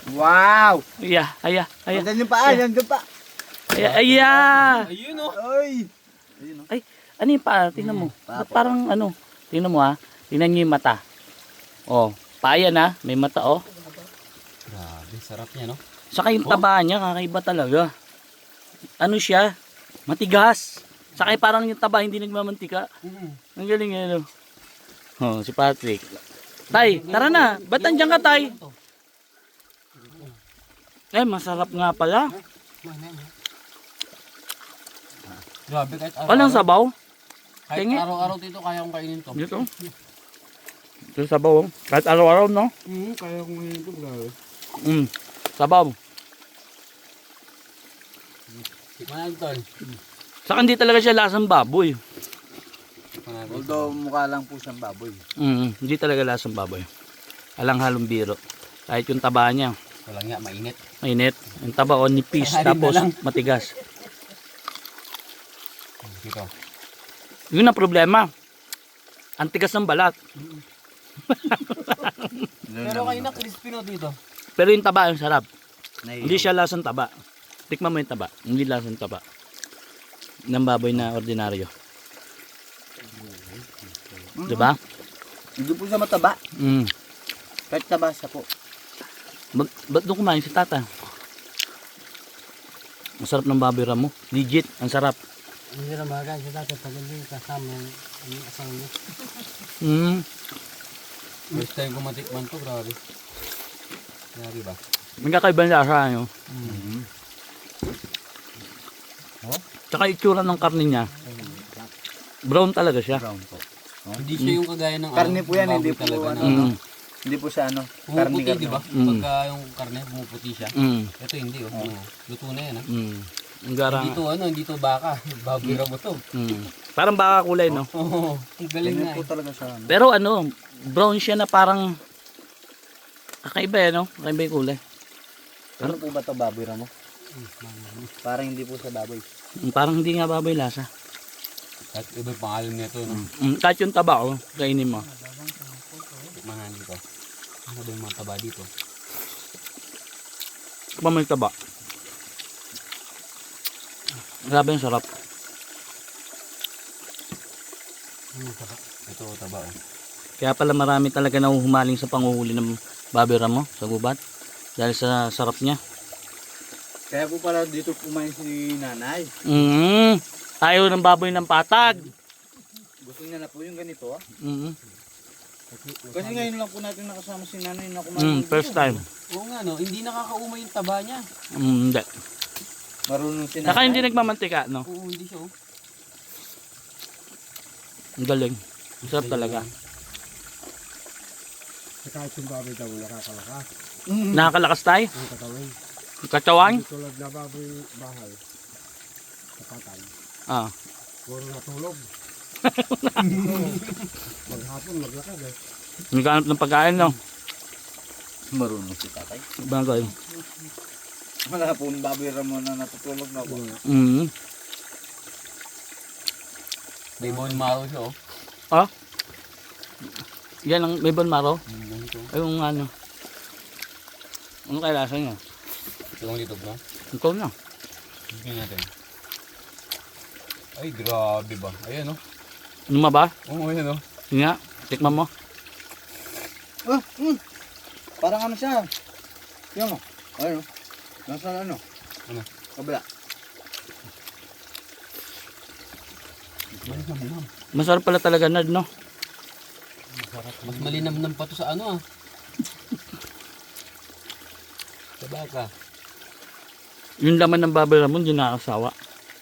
Wow! Aya, aya, aya. Andan yung paa, andan pa. Aya, aya. Ayun oh. Ay! Ay, ano yung paa? Tingnan mo. Ba't parang ano? Tingnan mo ha. Tingnan nyo yung mata. Oh, paa yan ha. May mata oh. Grabe, sarap niya no. Saka yung taba niya, kakaiba talaga. Ano siya? Matigas. Saka parang yung taba hindi nagmamantika. Ang galing yan. Oh, si Patrick. Tay, tara na. Ba't nandiyan ka, Tay? Eh, masarap nga pala. Grabe kahit Walang sabaw. Kahit Tingi. araw-araw dito kaya kong kainin to. Dito. Ito sabaw. Kahit araw-araw, no? Kaya kong kainin to, grabe. Sabaw. Tikman natin tol. Saka hindi talaga siya lasang baboy. Tikman natin. Although mukha lang po siyang baboy. Hindi talaga lasang baboy. Alang halong biro. Kahit yung taba niya, Walang nga, mainit. mainit. Yung taba o nipis, Halim na tapos lang. matigas. Dito. Yun ang problema. Ang tigas ng balat. Pero kayo na crispy no dito. Pero yung taba, yung sarap. Hindi siya lasang taba. Tikman mo yung taba. Hindi lasang taba. Ng baboy na ordinaryo. Diba? Hindi po siya mataba. Kahit taba siya po. Ba't doon kumain si tata? Ang sarap ng baboy ramo. Legit, ang sarap. Hindi na bagay sa dati pag hindi kasama yung asawa niya. First time ko matikman to, grabe. Grabe ba? May kakaibang lasa nyo. Oh? Tsaka itsura ng karne niya. Brown talaga siya. Brown po. Hindi siya yung kagaya ng Karne po yan, baboy hindi po talaga ano. na Hindi po siya ano. Karne pumuputi, di ba? Mm. Pagka yung karne pumuputi siya. Ito hindi oh. Luto na yan ah. Ang garang. Hindi to ano, hindi to baka. Baboy mo to. Parang baka kulay, no? Oo, ang galing Ganyan na po eh. talaga siya. Ano. Pero ano, brown siya na parang kakaiba eh, no? Kakaiba yung kulay. Ano po ba ito baboy ramo? Parang hindi po sa baboy. Parang hindi nga baboy lasa. At iba yung pangalan nito, no? Kahit yung taba, oh, kainin mo. Tikmahan dito. Ano ba yung mga taba dito? Kapag may taba. Grabe yung sarap. Taba. Ito, taba oh. Kaya pala marami talaga nahuhumaling sa panguhuli ng baboy ramo sa gubat. Dahil sa sarap niya. Kaya po pala dito kumain si nanay. Ayaw ng baboy ng patag. Gusto niya na po yung ganito ah. Kasi ngayon lang po natin nakasama si nanay na kumain. First time. Oo nga no, hindi nakakauma yung taba niya. Hindi. Marunong si nanay. Saka hindi nagmamantika, no? Oo, hindi siya oh. Ang galing. Ang sarap talaga. Kahit yung baboy daw nakakalakas. Nakakalakas tayo. Ang katawan. Katawan. Hindi tulad na baboy bahay. Kapatay. Ah. Puro natulog. Maghapon maglakad eh. Nagkaanap ng pagkain, no? Marunong si tatay. Bagay. Wala po yung baboy ramo na natutulog na po. May bone marrow siya oh. Ah? Yan ang may bone marrow. Ganito. Ay, yung ano. Ano kaya lasa niya? Ito yung litog na. Ikaw na. Tingnan natin. Ay, grabe ba? Ayan oh. Ano ma ba? Oo, ayan oh. Sige nga. Tikman mo. Parang ano siya. Yung ano. Nasa ano? Ano? Kabila. Malinam-nam. Masarap pala talaga, Nad, no? Mas malinam-nam pa to sa ano ah. Sa baka. Yung laman ng baboy ramon, hindi nakakasawa.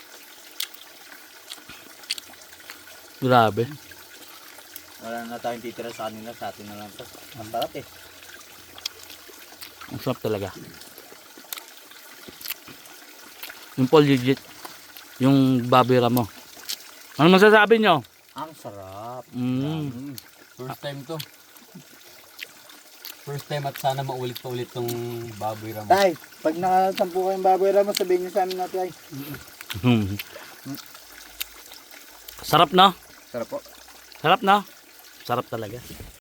Grabe. Wala na tayong titira sa kanila. Sa atin na lang ito. Ang sarap eh. Ang sarap talaga. Yung Paul legit. Yung baboy ramo. Ano masasabi nyo? Ang sarap. First time to. First time at sana maulit pa ulit tong baboy ramo. Tay, pag nakasampu kayong baboy ramo, sabihin niyo sa amin natin ay. Sarap, no? Sarap po. Sarap, no? Sarap talaga.